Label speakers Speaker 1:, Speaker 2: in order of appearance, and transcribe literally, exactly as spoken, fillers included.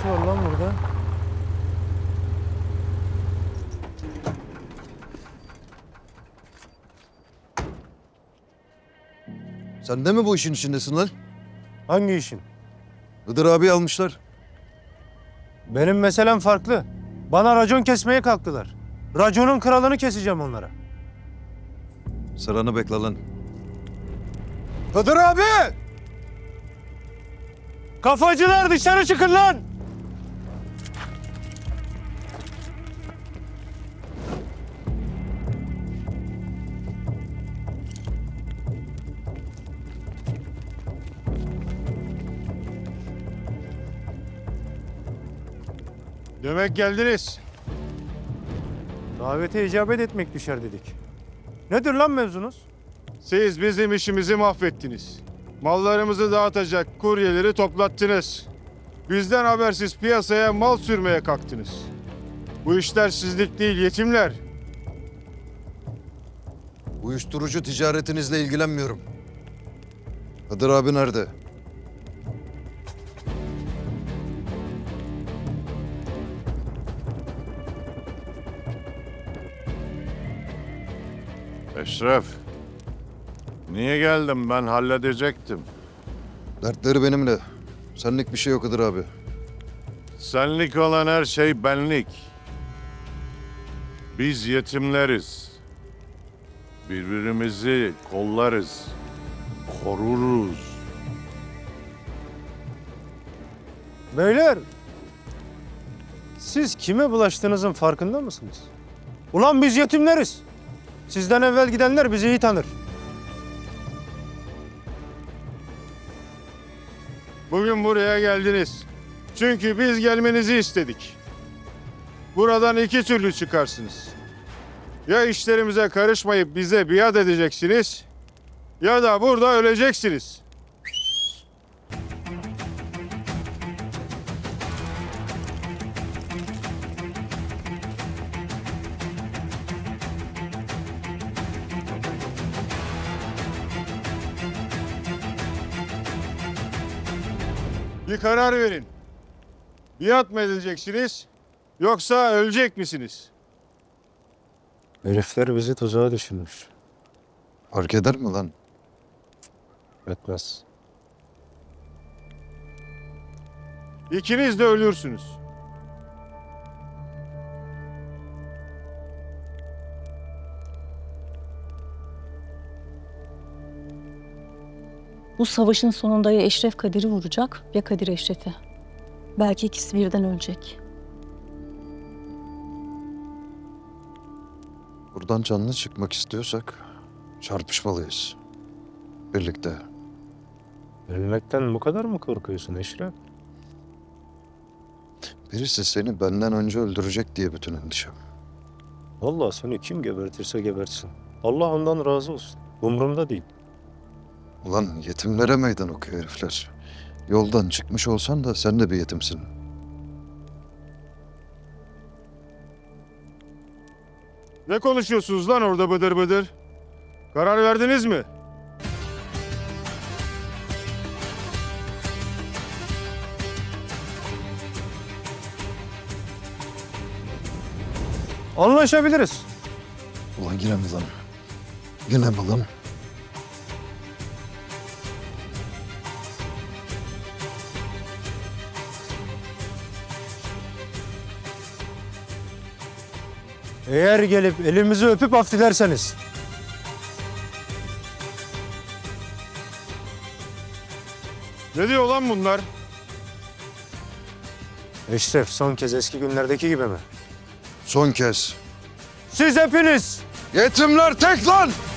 Speaker 1: işi var lan burada?
Speaker 2: Sen de mi bu işin içindesin lan?
Speaker 1: Hangi işin?
Speaker 2: Hıdır abi almışlar.
Speaker 1: Benim meselem farklı. Bana racon kesmeye kalktılar. Raconun kralını keseceğim onlara.
Speaker 2: Sıranı bekle lan. Hıdır abi!
Speaker 1: Kafacılar dışarı çıkın lan!
Speaker 3: Demek geldiniz.
Speaker 1: Davete icabet etmek düşer dedik. Nedir lan mevzunuz?
Speaker 3: Siz bizim işimizi mahvettiniz. Mallarımızı dağıtacak kuryeleri toplattınız. Bizden habersiz piyasaya mal sürmeye kalktınız. Bu işler sizlik değil yetimler.
Speaker 2: Uyuşturucu ticaretinizle ilgilenmiyorum. Hıdır abi nerede?
Speaker 4: Eşref, niye geldim? Ben halledecektim.
Speaker 2: Dertleri benimle. Senlik bir şey yok Hıdır abi.
Speaker 4: Senlik olan her şey benlik. Biz yetimleriz. Birbirimizi kollarız, koruruz.
Speaker 1: Beyler, siz kime bulaştığınızın farkında mısınız? Ulan biz yetimleriz. Sizden evvel gidenler bizi iyi tanır.
Speaker 3: Bugün buraya geldiniz. Çünkü biz gelmenizi istedik. Buradan iki türlü çıkarsınız. Ya işlerimize karışmayıp bize biat edeceksiniz ya da burada öleceksiniz. Bir karar verin. Biat mı edileceksiniz yoksa ölecek misiniz?
Speaker 1: Herifler bizi tuzağa düşürmüş.
Speaker 2: Fark eder mi lan?
Speaker 1: Etmez.
Speaker 3: İkiniz de ölürsünüz.
Speaker 5: Bu savaşın sonunda ya Eşref Kadir'i vuracak ya Kadir Eşref'i. Belki ikisi birden ölecek.
Speaker 2: Buradan canlı çıkmak istiyorsak çarpışmalıyız. Birlikte.
Speaker 1: Ölmekten bu kadar mı korkuyorsun Eşref?
Speaker 2: Birisi seni benden önce öldürecek diye bütün endişem.
Speaker 1: Vallahi seni kim gebertirse gebertsin. Allah ondan razı olsun. Umurumda değil.
Speaker 2: Ulan yetimlere meydan okuyor herifler. Yoldan çıkmış olsan da sen de bir yetimsin.
Speaker 3: Ne konuşuyorsunuz lan orada bıdır bıdır? Karar verdiniz mi?
Speaker 1: Anlaşabiliriz.
Speaker 2: Ulan yine mi lan? Yine mi lan?
Speaker 1: Eğer gelip elimizi öpüp af dilerseniz.
Speaker 3: Ne diyor lan bunlar?
Speaker 1: Eşref son kez eski günlerdeki gibi mi?
Speaker 2: Son kez.
Speaker 1: Siz hepiniz
Speaker 2: Yetimler tek lan!